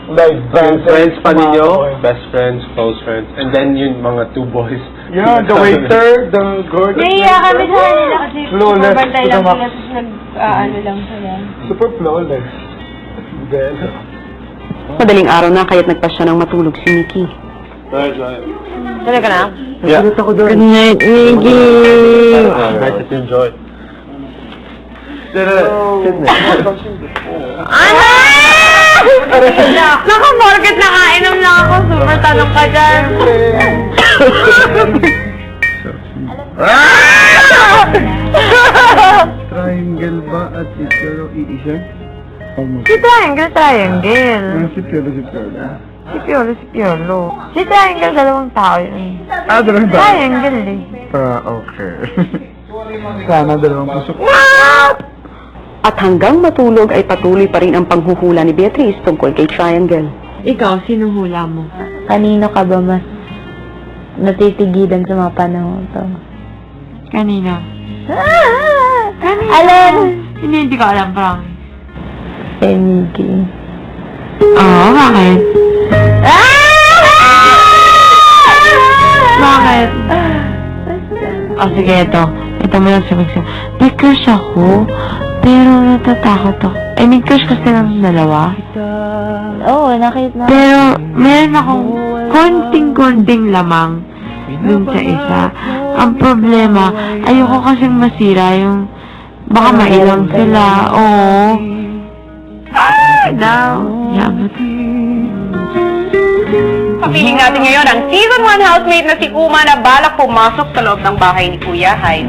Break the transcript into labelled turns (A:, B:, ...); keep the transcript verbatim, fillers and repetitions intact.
A: Like,
B: Yung friends pa ninyo,
A: mga-
B: best friends, close friends, and then yung mga two boys.
A: Yeah, the waiter, the gorgeous
C: Naiiyak kami sa kanila kasi
A: Flawless
C: bumabantay
A: to
C: lang
A: the max.
C: sila, tapos nag-ano lang sila.
A: Super flawless. Then,
D: Madaling araw na kaya't nagpasya ng matulog si Mickey.
C: Tuloy ka na?
B: Yeah.
A: ako doon.
D: Good night, Mickey!
B: Nice that you enjoy.
C: Ano? Naku, morgat nakainom lang ako. Super tanong ka dyan.
A: Triangle ba at ito iisa?
C: Si Triangle, Triangle.
A: Si Piolo, si Piolo.
C: Si Piolo, si Piolo. Si Triangle, dalawang tao yun.
A: Ah, dalawang ba?
C: Triangle eh.
A: Ah, okay. Sana dalawang puso.
D: At hanggang matulog ay patuloy pa rin ang panghuhula ni Beatrice tungkol kay Triangle.
C: Ikaw, sino hula mo? Kanino ka ba mas natitigilan sa mga panahon to? Kanino? Kanino? Alin? Hindi, hindi ko alam, Frank. Kay Mickey. Oo, bakit? Bakit? Oh, sige, ito. Ito mo lang sabi ko. May crush ako, pero natatakot ako. I mean, crush kasi ng dalawa. Oo, oh, nakita na. Pero, meron akong konting-konting lamang dun sa isa. Ang problema, ayoko kasing masira yung baka mailang sila. Oo. Ah, now. Yaman.
D: Papiling natin ngayon ang Season one housemate na si Uma na balak pumasok sa loob ng bahay ni Kuya Hyde.